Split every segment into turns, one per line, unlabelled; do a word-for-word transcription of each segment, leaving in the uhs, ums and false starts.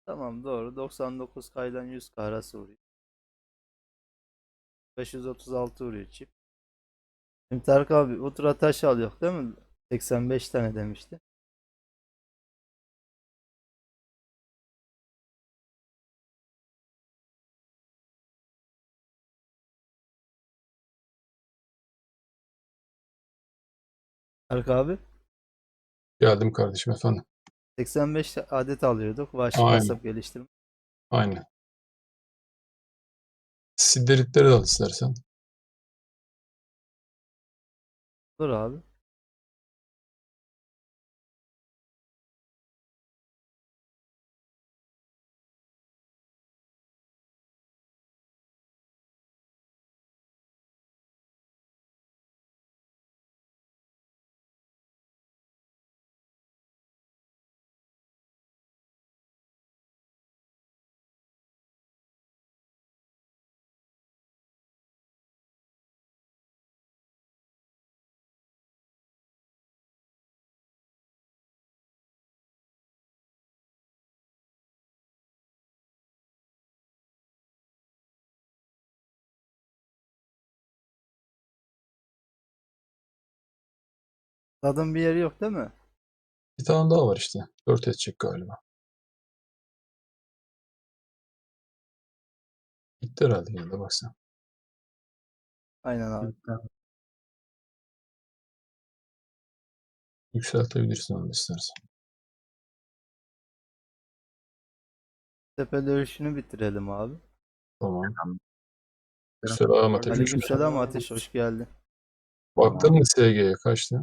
Tamam doğru. doksan dokuz K'dan yüz K arası vuruyor. beş yüz otuz altı vuruyor çift. Şimdi Tarık abi bu tura taş alıyor değil mi? seksen beş tane demişti. Tarık abi
Geldim kardeşim efendim.
seksen beş adet alıyorduk. Vahşi
Aynen.
kasap geliştirme.
Aynen. Sideritleri de al istersen.
Dur abi. Tadın bir yeri yok değil mi?
Bir tane daha var işte. Dört edecek galiba. Gitti herhalde yine de bak sen.
Aynen abi.
Yükseltebilirsin onu istersen.
Tepe dövüşünü bitirelim abi.
Tamam.
Tamam.
Selam Ateş.
Aleykümselam Ateş, hoş geldin.
Baktın mı S G'ye kaçtı?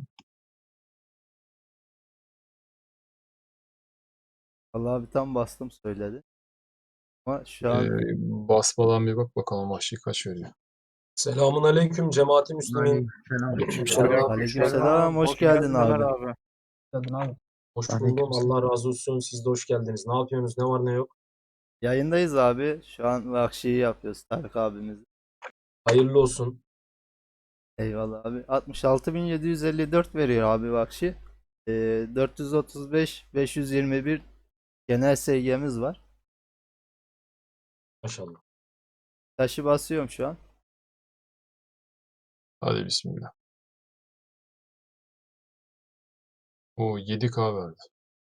Vallahi abi tam bastım söyledi. Ama şu an
Ee, basmadan bir bak bakalım vahşi kaç veriyor.
Selamun aleyküm cemaati Müslümin.
Aleykümselam.
aleykümselam, hoş geldin abi.
Hoş buldum. Allah razı olsun. Siz de hoş geldiniz. Ne yapıyorsunuz? Ne var ne yok?
Yayındayız abi. Şu an Vahşi'yi yapıyoruz Tarık abimiz.
Hayırlı olsun.
Eyvallah abi. altmış altı bin yedi yüz elli dört veriyor abi Vahşi. Ee, dört yüz otuz beş beş yüz yirmi bir genel S G'miz var.
Maşallah.
Taşı basıyorum şu an.
Hadi bismillah. O yedi K verdi.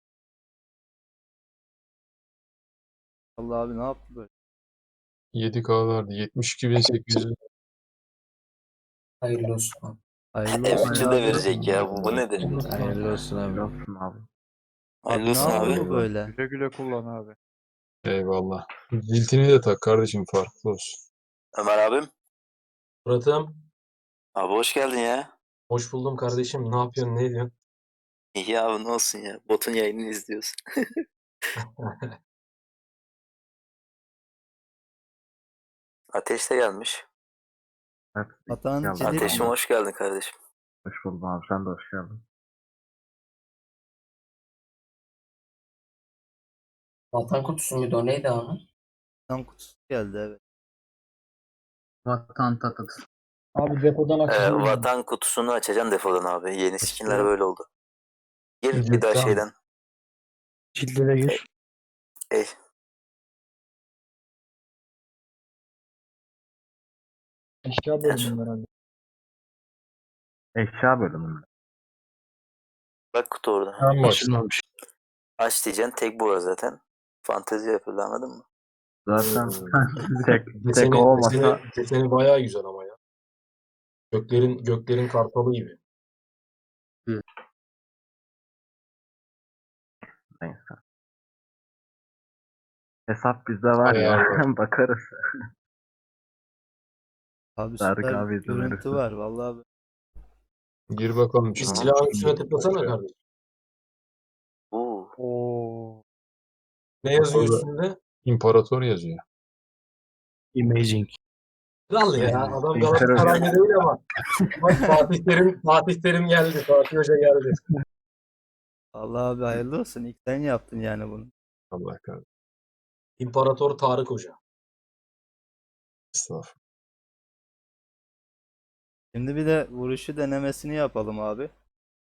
Allah abi ne yaptı böyle?
yedi K verdi. yetmiş iki bin sekiz yüz.
Hayırlı olsun.
Hayırlı olsun
Emekçi de
abi.
verecek ya. Bu, bu nedir?
Hayırlı olsun abi.
Olsun abi.
Hayırlı
Abi ne
olsun
yaptı
abi.
bu böyle?
Güle güle kullan abi.
Eyvallah. Ciltini de tak kardeşim, farklı olsun.
Ömer abim.
Murat'ım.
Abi hoş geldin ya.
Hoş buldum kardeşim. Ne yapıyorsun? Ne ediyorsun?
İyi abi ne olsun ya. Botun yayınını izliyoruz. Ateş de gelmiş.
Evet.
Vatan
Geldim.
cirit
Ateşim
mi?
hoş geldin kardeşim.
Hoş buldum abi. Sen de hoş geldin.
Vatan kutusu muydu o neydi abi?
Vatan kutusu geldi evet.
Vatan tatıt.
Abi depodan
Ee,
açacağım.
vatan kutusunu açacaksın defodan abi. Yeni skinler
Açtım.
böyle oldu. Gir bir
Ciltten
daha
mi?
şeyden.
Cilde de gir.
Ey.
Eşya bölümü herhalde.
Eşya bölümü.
Bak kutu orada.
Ben başladım.
Açılmamış.
Aç diyeceksin. Tek bu var zaten. Fantezi yapıldı anladın mı?
Zaten
Hmm.
tek, tek
Deseni,
o olmasa
deseni, deseni bayağı güzel ama ya. Göklerin göklerin kartalı gibi.
neyse. Hesap bizde var ya.
Ayarlar.
Bakarız.
Abi
Tarık
süper
abi izin
görüntü
verirse.
var vallahi abi.
Gir bakalım
Bir
şimdi.
silahın üstüne tıklasana kardeşim.
Oo.
Oo.
Ne yazıyor
Orada
üstünde?
İmparator yazıyor.
Imaging.
Kral ya. Adam
İmparator.
Galatasaraylı değil ama. Bak Fatih Terim, Fatih Terim geldi. Fatih Hoca geldi.
Allah abi hayırlı olsun. İlk sen yaptın yani bunu.
Allah kahretsin.
İmparator Tarık Hoca.
Estağfurullah.
Şimdi bir de vuruşu denemesini yapalım abi.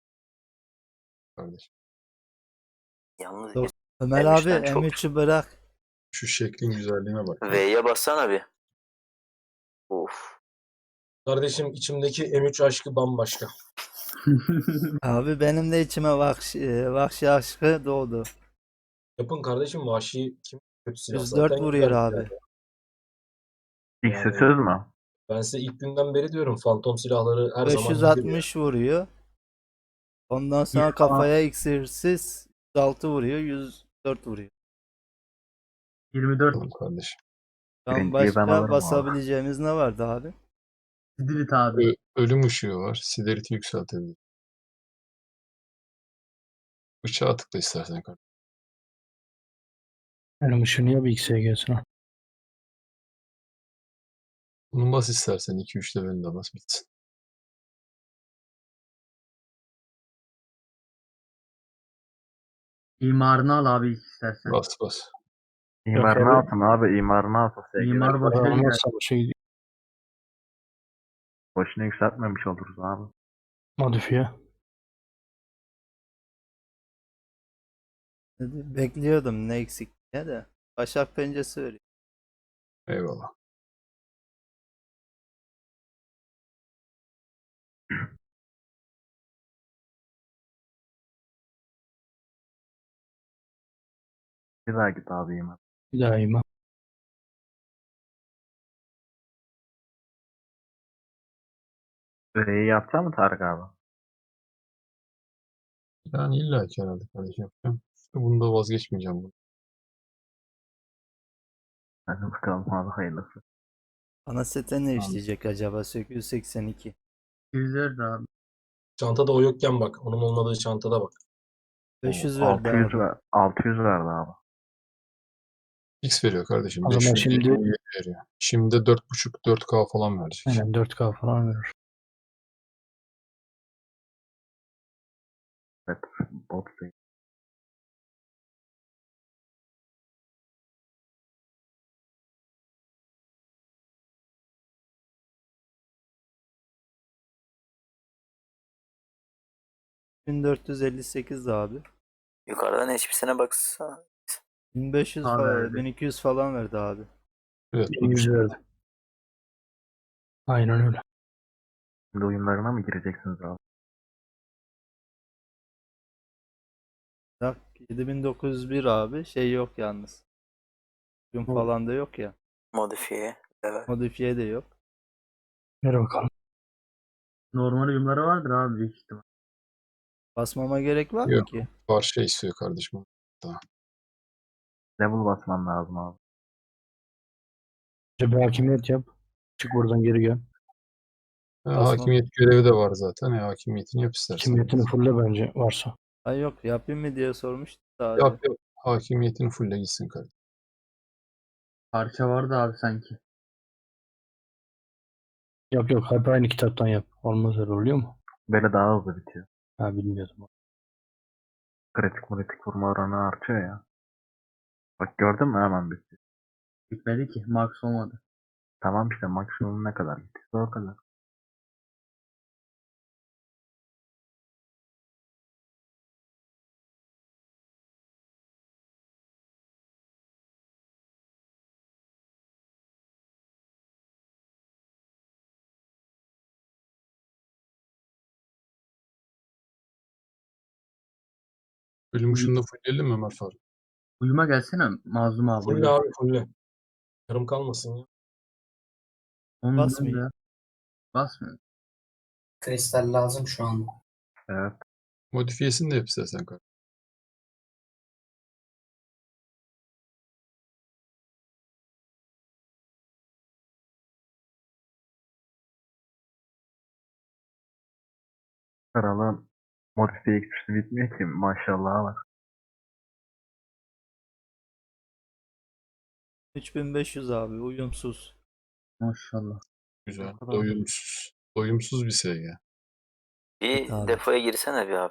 Kardeşim.
Yalnız
Dur. Ömer
M üçten
abi
çok-
M üçü bırak.
Şu şeklin güzelliğine bak.
V'ye bassana bir. Of.
Kardeşim içimdeki M üç aşkı bambaşka.
Abi benim de içime vahşi, e, vahşi aşkı doğdu.
Yapın kardeşim vahşi kim kötü silah
yüz dört
zaten
vuruyor
güzel
abi.
silah.
İkisi
Yani-
söz mü?
Ben size ilk günden beri diyorum fantom silahları her zaman iyidir ya.
beş yüz altmış vuruyor. Ondan sonra
İlk
kafaya iksirsiz yüz altı vuruyor, yüz dört vuruyor.
yirmi dört.
Bakalım kardeşim.
Şu an
Birinciyi ben
başka
alırım abi.
basabileceğimiz ne vardı abi?
Dilit abi.
Ö- ölüm ışığı var. Severity yükseltebilir. Bıçağa tıkla istersen kardeşim.
Benim ışığını ya bir X'e gelsin ha.
Bunu bas istersen iki üç levelinde bas bitsin.
İmarını al abi istersen.
Bas bas.
İmar
Yok
ne
abi.
yapsın abi? İmar ne yapsın? Sevgili.
İmar boşuna gider.
Olmazsa bu şey
Boşuna yükseltmemiş oluruz abi.
modifiye.
Dedi, bekliyordum ne eksik diye de. Başak pençesi veriyor.
Eyvallah.
Bir daha git abi İmar.
Daima.
Süreyi yapacak mı Tarık abi?
Yani illa ki herhalde kardeşim yapacağım. Bunda vazgeçmeyeceğim. bunu.
Hadi bakalım abi hayırlısı.
Ana sete ne işleyecek acaba? sekiz yüz seksen iki.
yüz dört abi.
Çantada o yokken bak. Onun olmadığı çantada bak.
beş yüz
O,
verdi
altı yüz
abi.
ver, altı yüz verdi abi.
X veriyor kardeşim.
O zaman
beş yüz
şimdi-
yirmi veriyor. Şimdi de dört buçuk dört K falan verecek.
Aynen dört K falan verir.
Evet. Bot sayı.
bin dört yüz elli sekiz abi.
Yukarıdan hiçbirisine baksana.
bin beş yüz
Abi
falan,
verdi.
bin iki yüz falan verdi abi.
Evet.
bin yüz verdi. Aynen öyle.
Şimdi oyunlarına mı gireceksiniz abi?
Bak yedi bin dokuz yüz bir abi. Şey yok yalnız. Gün
Bu-
falan da yok ya.
Modifiye. Evet.
Modifiye de yok.
Ver bakalım.
Normal uyumları vardır abi büyük ihtimal.
Basmama gerek var mı
Yok.
ki?
Parça istiyor kardeşim.
Level basman lazım abi.
Bir hakimiyet yap. Çık buradan geri gel.
Ha,
Basmam.
hakimiyet görevi de var zaten. E, hakimiyetini yap istersen.
Hakimiyetini fulle bence varsa.
Ay yok yapayım mı diye sormuştum da abi.
Yap yap. Hakimiyetini fulle gitsin kardeşim.
Parça vardı abi sanki.
Yok yok hep aynı kitaptan yap. Olmaz öyle oluyor mu?
Böyle daha hızlı bitiyor.
Ha bilmiyordum.
Kritik kritik vurma oranı artıyor ya. Bak gördün mü hemen bitti.
Bitmedi ki. Max olmadı.
Tamam işte maksimum ne kadar bitiyorsa o kadar.
Ölüm ışığında fulleyelim mi Ömer Faruk?
Uyuma gelsene Mazlum abi.
Fulle abi fulle. Yarım kalmasın ya.
Onun
Basmayın.
da- Basmıyor.
Kristal lazım şu an.
Evet.
Modifiyesini de yap istersen kardeşim.
Kralın modifiye eksisi bitmiyor ki maşallah var.
üç bin beş yüz abi uyumsuz.
Maşallah.
Güzel.
O kadar.
Doyumsuz. Doyumsuz bir S G.
Bir
Evet abi.
depoya girsene bir abi.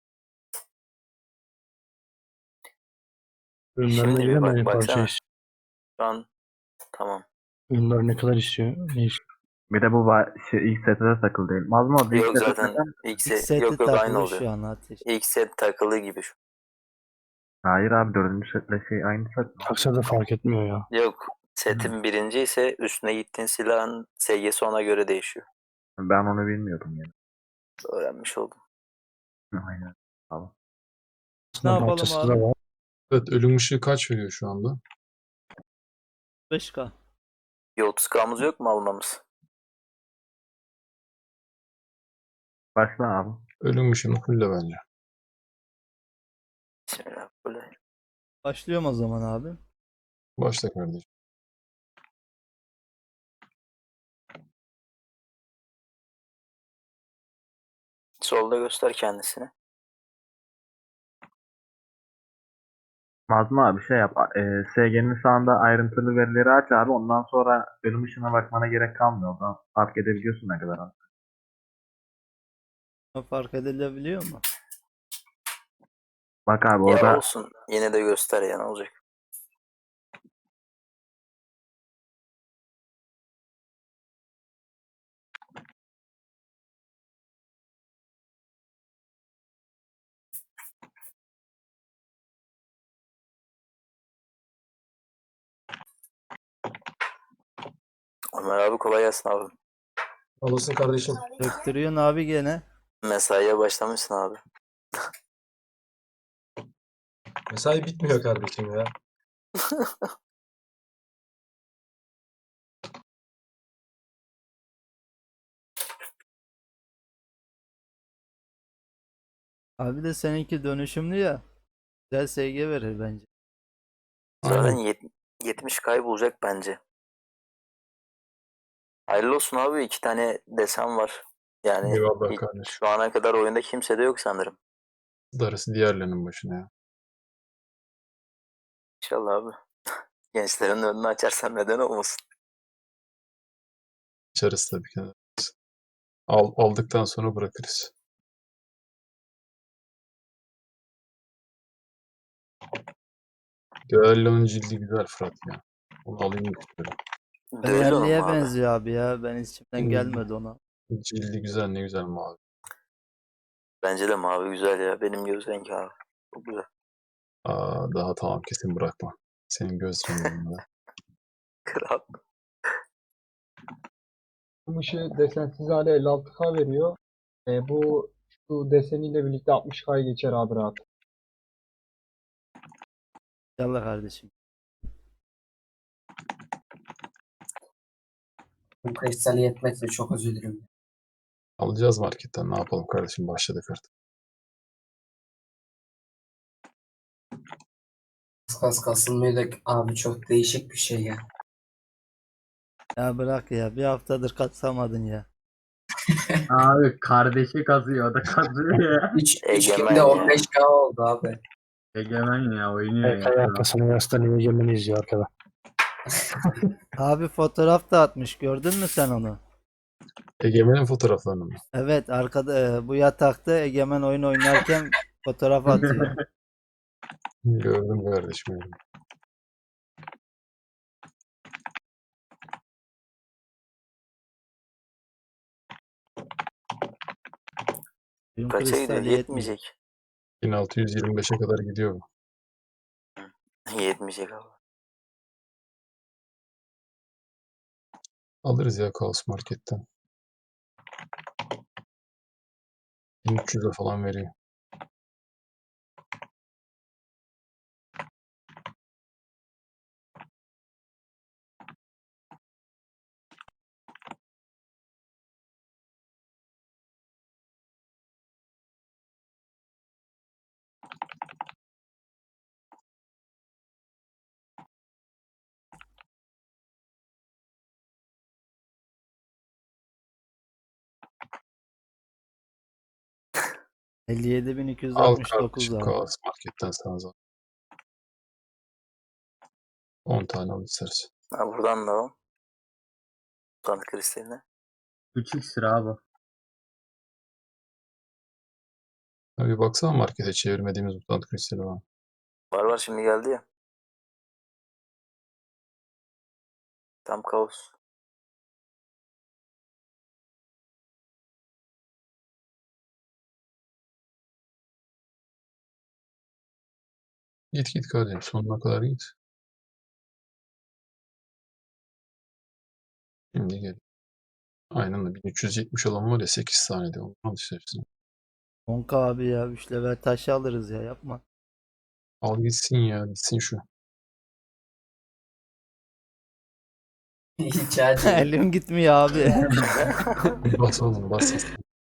Ürünlerine
Şimdi bir
göre
bak-
aynı parça
baksana.
istiyor.
Şu an tamam.
Ürünler ne kadar istiyor? Ne istiyor?
Bir de bu ba- şey, ilk sete de takıl değil. Mazlum abi ilk
Yok
sete
zaten
takıl.
ilk
İlk
set,
seti
yok yok aynı
takılı
oluyor.
şu an ateş.
İlk set takılı gibi şu.
Hayır abi dördüncü setle şey aynı set mi?
Taksa da fark etmiyor ya.
Yok. Setin birinci ise üstüne gittiğin silahın S G'si ona göre değişiyor.
Ben onu bilmiyordum yani.
Öğrenmiş oldum.
Aynen. Tamam.
Ne
Aslında
yapalım
parçası da
abi?
var.
Evet, ölüm ışığı kaç veriyor şu anda?
beş K.
Bir otuz K'mız yok mu almamız?
Başla abi.
Ölüm ışığını fulle bence.
Bismillah. Böyle.
Başlıyorum o zaman abi.
Başla kardeşim.
Solda göster kendisini.
Mazlum abi şey yap. E, S G'nin sağında ayrıntılı verileri aç abi. Ondan sonra ölüm ışığına bakmana gerek kalmıyor. Oradan fark edebiliyorsun ne kadar az.
Fark edilebiliyor mu?
Bak abi
Ya
orada
olsun. Yine de göster ya, ne olacak? Ömer abi kolay gelsin abi.
Olasın kardeşim.
Döktürüyorsun abi gene.
Mesaiye başlamışsın abi.
Mesai bitmiyor kardeşim ya.
Abi de seninki dönüşümlü ya. Güzel S G verir bence.
Zaten
Aynen.
yet- yetmiş kaybolacak bence. Hayırlı olsun abi. İki tane desen var. Yani
Eyvallah
hiç-
kardeşim.
şu ana kadar oyunda kimse de yok sanırım.
Darısı diğerlerinin başına ya.
İnşallah abi. Gençlerin önünü açarsan neden olmasın?
İçeriz tabii ki. Al, aldıktan sonra bırakırız. Düello'nun cildi güzel Fırat ya. Onu alayım istiyorum.
Düello mu
Fenerli'ye
abi?
benziyor abi ya. Ben içimden
Hmm.
gelmedi ona.
Cildi güzel, ne güzel mavi.
Bence de mavi güzel ya. Benim göz rengi abi. Çok güzel.
Aa, daha tamam, kesin bırakma. Senin göz renginde.
Kral.
Bu ışığı desensiz hale elli altı K veriyor. E, bu şu deseniyle birlikte altmış K'ya geçer abi rahat.
İnşallah kardeşim.
Bu kristal yetmekle çok üzülürüm.
Alacağız marketten, ne yapalım kardeşim, başladık artık.
Kas kasılmıyor da abi çok değişik bir şey ya.
Ya bırak ya. Bir haftadır katsamadın ya.
Abi kardeşi kazıyor o da kazıyor ya.
üç
Egemen
günde
ya.
on beş K oldu abi.
Egemen ya oynuyor
Evet,
ya.
arkasını yaslanıyor, Egemen'i izliyor arkada.
Abi fotoğraf da atmış. Gördün mü sen onu?
Egemen'in fotoğraflarını mı?
Evet, arkada e, bu yatakta Egemen oyun oynarken fotoğraf atıyor.
Gördüm kardeşim. Gördüm.
Dün
Kaça gidiyor?
kristal yetmeyecek.
Yetmeyecek.
bin altı yüz yirmi beşe kadar gidiyor bu.
Yetmeyecek abi.
Alırız ya Kaos Market'ten. bin üç yüze falan veriyor.
elli yedi bin iki yüz
Al
altmış dokuz
kardeşim,
abi.
Kaos Market'ten sana zaten. on tane al isteriz.
Ha, buradan da o. Kan kristaline.
üç x lira abi.
Ha, bir baksana markete, çevirmediğimiz mutant kristali var.
Var var, şimdi geldi ya. Tam kaos.
Git git kardeşim sonuna kadar git. Şimdi gel. Aynen de bin üç yüz yetmiş olan var ya sekiz saniyede onu al işte hepsini.
on K abi ya. üç level taşı alırız ya, yapma.
Al gitsin ya gitsin şu.
Hiç acil.
Elim gitmiyor abi.
Bas oğlum bas.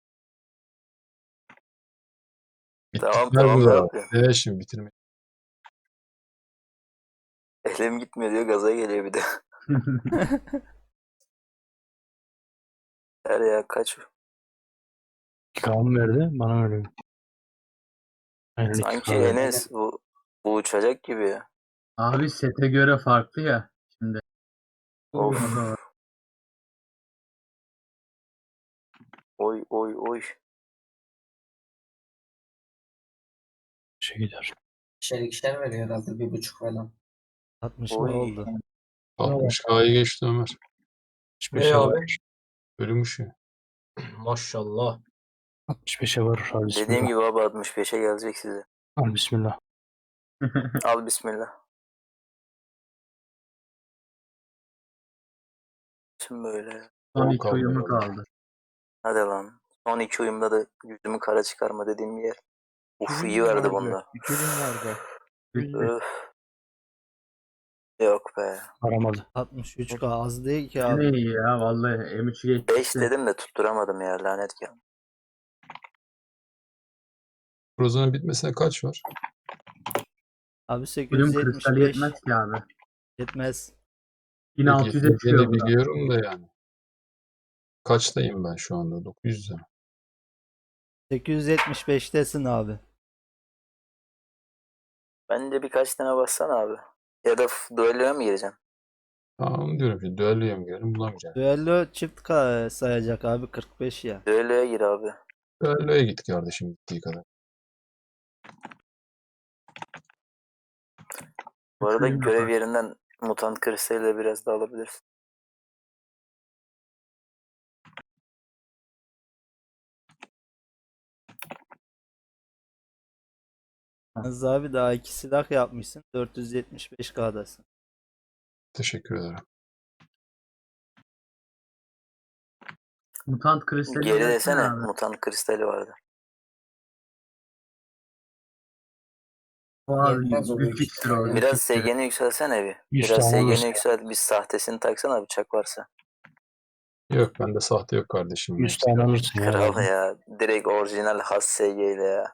Tamam,
Bittikler
tamam,
bu
ne
da.
yapıyorsun?
Evet şimdi bitirme.
Elim gitmiyor diyor, gaza geliyor bir de. Her ya kaç?
iki K mı verdi? Bana öyle. Aynen iki
Sanki
K verdi.
Enes bu, bu uçacak gibi ya.
Abi sete göre farklı ya. Şimdi
Of.
o da var.
Oy oy oy.
Şey gider.
İkişer ikişer veriyor herhalde bir buçuk falan.
altmış
Oy.
ne oldu?
altmış K'yı geçti Ömer.
altmış
Ne
beşe
abi?
var.
Bölünmüş ya.
Maşallah.
altmış beşe var. Hadi
Dediğim
bismillah.
gibi abi altmış beşe gelecek size.
Al bismillah.
Al bismillah. Şimdi böyle.
Son
On
iki
kaldı
uyumu
herhalde.
kaldı.
Hadi lan. Son iki uyumda da yüzümü kara çıkarma dediğim bir yer. Uf,
iki bin
iyi
mi
verdi
vardı?
bunda.
iki bin vardı.
Bitti.
Öf. Yok be.
Aramadı.
altmış üç K az değil ki
Ne
abi.
iyi ya vallahi M üçü
beş
geçti.
dedim de tutturamadım ya, lanet geldi.
Proza'nın bitmesine kaç var?
Abi
Ölüm kristali
sekiz yüz yetmiş beş
yetmez ki abi.
yetmez.
bin altı yüze çıkıyor
Yetmeyeceğini
bu da.
biliyorum da yani. Kaçtayım ben şu anda? dokuz yüzde mi?
sekiz yüz yetmiş beştesin abi.
Bence birkaç tane bassana abi. Ya da f- duelloya mı gireceksin?
Tamam onu diyorum ki düelloya mı girelim bulamayacağım.
Düello çift K sayacak abi, kırk beş ya.
Duelloya gir abi.
Düelloya git kardeşim gittiği kadar.
Bu
Üç
arada
uyum
görev
yapar.
yerinden mutant kristaliyle biraz da alabilirsin.
Yalnız abi daha iki silah yapmışsın. dört yüz yetmiş beş K'dasın.
Teşekkür ederim.
Mutant kristali
Geri
versene
desene,
abi.
mutant kristali vardı.
O abi
Yetmez o büyük
güç iksiri o.
ihtimalle.
Güç
Biraz
iksiri.
S G'ni yükseltsene bir.
yüz
Biraz
tane
S G'ni
olursa
yükselt. Bir sahtesini taksana bıçak varsa.
Yok bende sahte yok kardeşim.
yüz
Hepsi
tane
gerçek.
alırsın ya.
Kral
herhalde.
ya. Direkt orijinal has S G ile ya.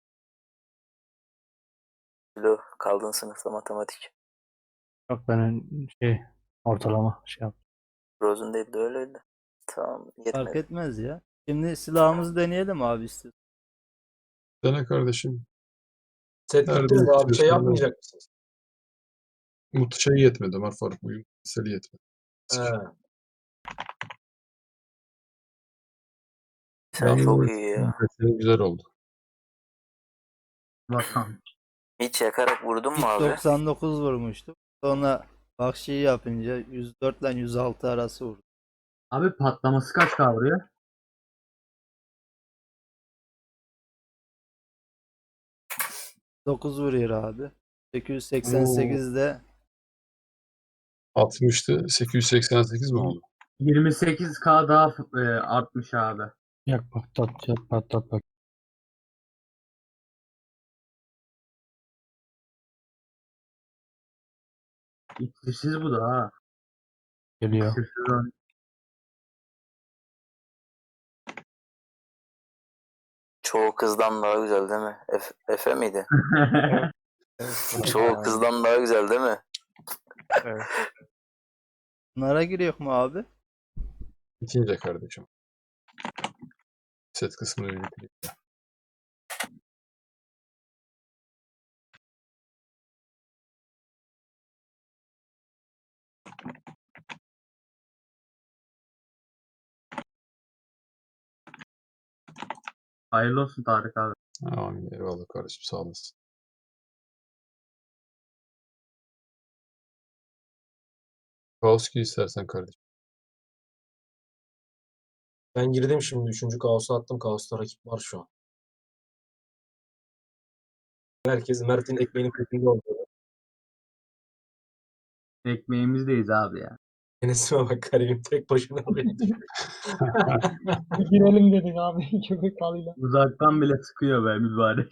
Kilo kaldın sınıfta matematik.
Yok benim şey ortalama şey yap.
Frozen değil de öyleydi. Tamam,
Fark
yetmedi.
etmez ya. Şimdi silahımızı deneyelim abi istiyorsan.
Dene kardeşim.
Set
Nerede
gitti mi abi? Şey
istiyorsan
yapmayacak mısınız?
Mut şey yetmedi Ömer Faruk uyum seli yetmedi.
He.
Sen çok iyi ya.
Seli güzel oldu.
Vatan.
Hiç yakarak vurdun mu
İlk
abi?
doksan dokuz vurmuştuk. Sonra Vahşi'yi yapınca yüz dört ile yüz altı arası vurdu.
Abi patlaması kaç kavruyor?
dokuz vuruyor abi. sekiz yüz seksen sekizde
altmıştı. sekiz yüz seksen sekiz mi oldu?
yirmi sekiz K daha e, artmış abi.
Yak patlat yak patlat bak.
İksirsiz bu da ha.
Geliyor.
İksirsiz o.
Çoğu kızdan daha güzel değil mi? Efe, Efe miydi?
Evet.
Çoğu kızdan daha güzel değil mi?
Evet.
bunlara giriyor mu abi?
İkinci kardeşim. Set kısmını bir bitireyim.
Hayırlı olsun Tarık abi.
Amin. Eyvallah kardeşim sağ olasın. Kaoski istersen kardeşim.
Ben girdim şimdi. Üçüncü kaosu attım. Kaosta rakip var şu an. Herkes Mert'in ekmeğinin peşinde oldu.
Ekmeğimizdeyiz abi ya.
Enes'ime bak garibim tek başına oraya düşüyor.
Bir girelim dedik abi köpek balığıyla.
Uzaktan bile sıkıyor be mübarek.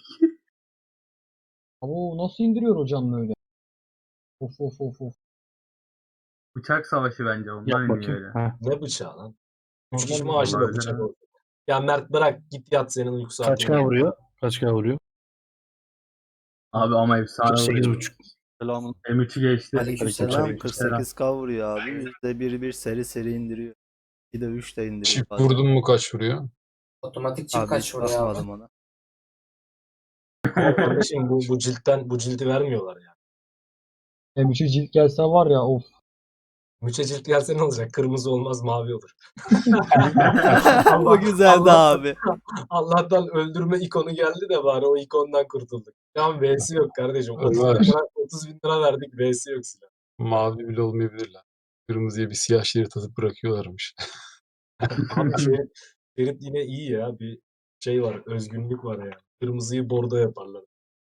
Abo nasıl indiriyor hocam böyle? Of of of of.
Bıçak savaşı bence ondan
Yap
iniyor
bakayım.
öyle.
Ha.
Ne bıçağı lan? Üç
Normal
kişi
mi?
maaşı da
Vallahi
bıçak
öyle.
oldu. Ya Mert bırak git yat senin uyku
Kaç
saatin.
K vuruyor? Kaç K vuruyor?
Abi ama efsane
kırk sekiz
vuruyor.
buçuk. Selamun.
M üçü geçti.
Aleykümselam.
Selam
Aleykümselam.
kırk sekiz K vuruyor abi. yüzde bir bir seri seri indiriyor. Bir de üç de indiriyor
Çift
bazen.
vurdun mu kaç vuruyor?
Otomatik çift
Abi
kaç
hiç
vuruyor abi?
bakmadım ona.
Ama kardeşim bu, bu ciltten bu cilti vermiyorlar ya.
M üçe cilt gelse var ya of.
Müçe cilt gelse ne olacak? Kırmızı olmaz mavi olur.
Bu güzeldi
Allah-
abi.
Allah'tan öldürme ikonu geldi de bari o ikondan kurtulduk. Şu an V'si yok kardeşim. otuz bin
Var.
lira, otuz bin lira verdik V'si yok silah.
Mavi bile olmayabilirler. Kırmızıya bir siyah şerit atıp bırakıyorlarmış.
Abi Ferit, Ferit yine iyi ya. Bir şey var. Özgünlük var ya. Kırmızıyı bordo yaparlar.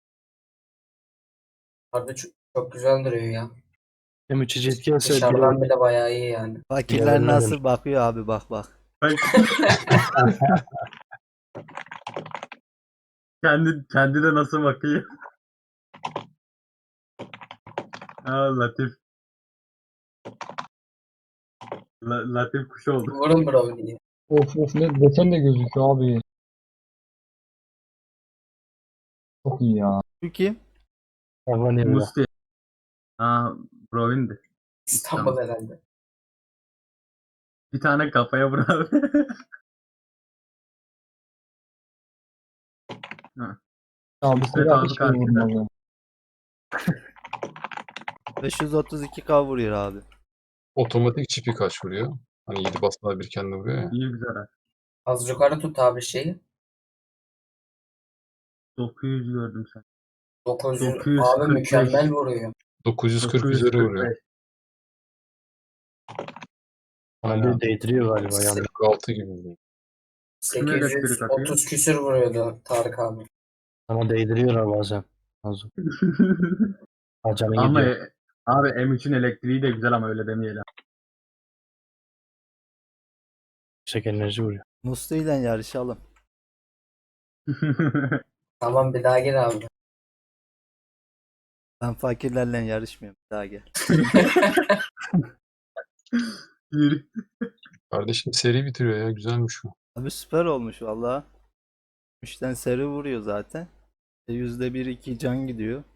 Harbi çok, çok güzel duruyor ya.
M üç'e cilt gelse
Dışarıdan bile bayağı iyi yani.
Fakirler
Diğerlerine
nasıl
dönüş.
bakıyor abi bak bak.
Bak. kendi, kendi de nasıl bakıyor. Aa, Latif. La, Latif kuş oldu.
Vurun bro diye.
Of of ne desen de gözüküyor abi. Çok iyi ya.
Şu kim?
Hayvan yemine.
Musti. Aa, Brovin'di.
İstanbul herhalde.
Bir tane kafaya vur abi.
Abi
İsmet
silah
abi
hiç
karşıda.
vurmaz ya.
beş yüz otuz iki K vuruyor abi.
Otomatik çipi kaç vuruyor? Hani yedi basmalar bir kendi vuruyor ya.
İyi güzel ha.
Az yukarı tut abi şeyi.
dokuz yüz gördüm sen.
dokuz yüz.
dokuz yüz
Abi
kırk beş.
mükemmel vuruyor.
dokuz yüz kırk üzeri vuruyor.
dokuz yüz kırk beş.
Bana bir değdiriyor galiba yani.
kırk altı gibi vuruyor.
Kim elektrik
sekiz yüz
atıyor?
otuz küsür vuruyordu Tarık abi.
Bana değdiriyorlar bazen. Lazım. Canın
Ama
gidiyor.
e, abi M üçün elektriği de güzel ama öyle demeyelim.
Yüksek enerji vuruyor.
Musti ile yarışalım.
Tamam bir daha gir abi.
Ben fakirlerle yarışmıyorum. Bir daha gel.
Yürü.
Kardeşim seri bitiriyor ya. Güzelmiş bu.
Abi süper olmuş valla. üçten seri vuruyor zaten. E, yüzde bir iki can gidiyor.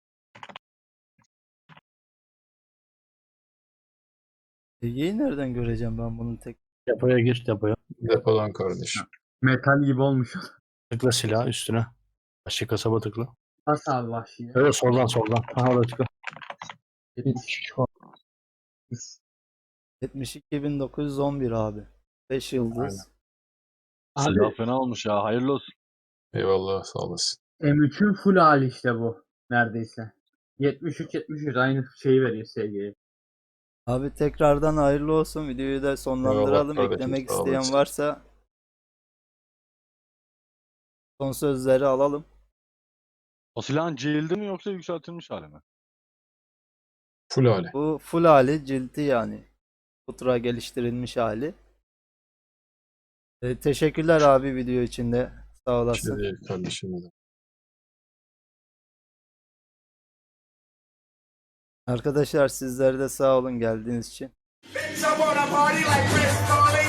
Ege'yi nereden göreceğim ben bunun tek?
Depoya gir depoya.
Depodan kardeşim.
Metal gibi olmuş.
Tıkla silah üstüne. Başka kasaba tıkla.
Nasıl abi vahşi?
Evet soldan soldan. Ha orada tıkla.
Şu an
yetmiş iki bin dokuz yüz on bir abi. beş yıldız.
Aynen.
Abi
fena olmuş ya. Hayırlı olsun.
Eyvallah sağ olasın.
M üçün full hali işte bu. Neredeyse. yetmiş üç yetmiş üç aynı şeyi veriyor S G'ye.
Abi tekrardan hayırlı olsun. Videoyu da sonlandıralım.
kardeşim,
Eklemek
sağ
isteyen
olasın.
varsa son sözleri alalım.
O silahın cildi mi yoksa yükseltilmiş hali mi?
Full hali.
Bu full hali cildi yani. Ultra geliştirilmiş hali. E, teşekkürler abi video için de. Sağ
Bir
olasın.
şey değil kardeşim.
Arkadaşlar sizler de sağ olun geldiğiniz için.
Bitch, I wanna party like Chris Farley.